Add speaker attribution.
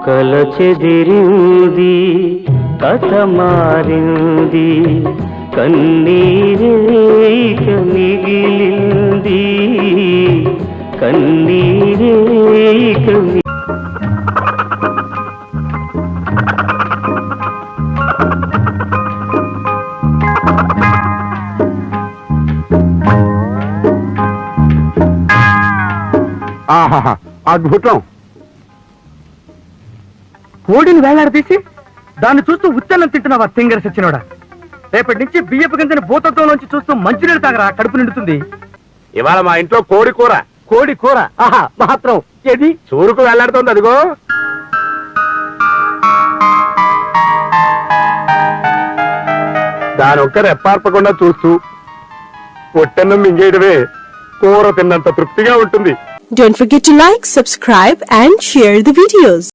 Speaker 1: కల చెదిరింది, కథ మారింది, కన్నీరేక మిగిలింది, కన్నీరేక
Speaker 2: ఆహాహా, అద్భుతం. కోడిని వేలాడదీసి దాన్ని చూస్తూ ఉత్తన్నం తింటున్నావా తింగర సచ్చినోడా? రేపటి నుంచి బియ్యపు గింజని భూతత్వంలోంచి చూస్తూ మంచినీళ్ళు తాగరా, కడుపు నిండుతుంది.
Speaker 3: ఇవాళ మా ఇంట్లో కోడి కూర.
Speaker 2: కోడి కూర? ఆహా, మాత్రం ఏది
Speaker 3: చూరుకు వెళ్లాడుతోంది, అదిగో. దాని ఒక్క రెప్పార్పకుండా చూస్తూ పొట్టన్నం మింగేయడమే కూర తిన్నంత తృప్తిగా ఉంటుంది.
Speaker 4: Don't forget to like, subscribe and share the videos.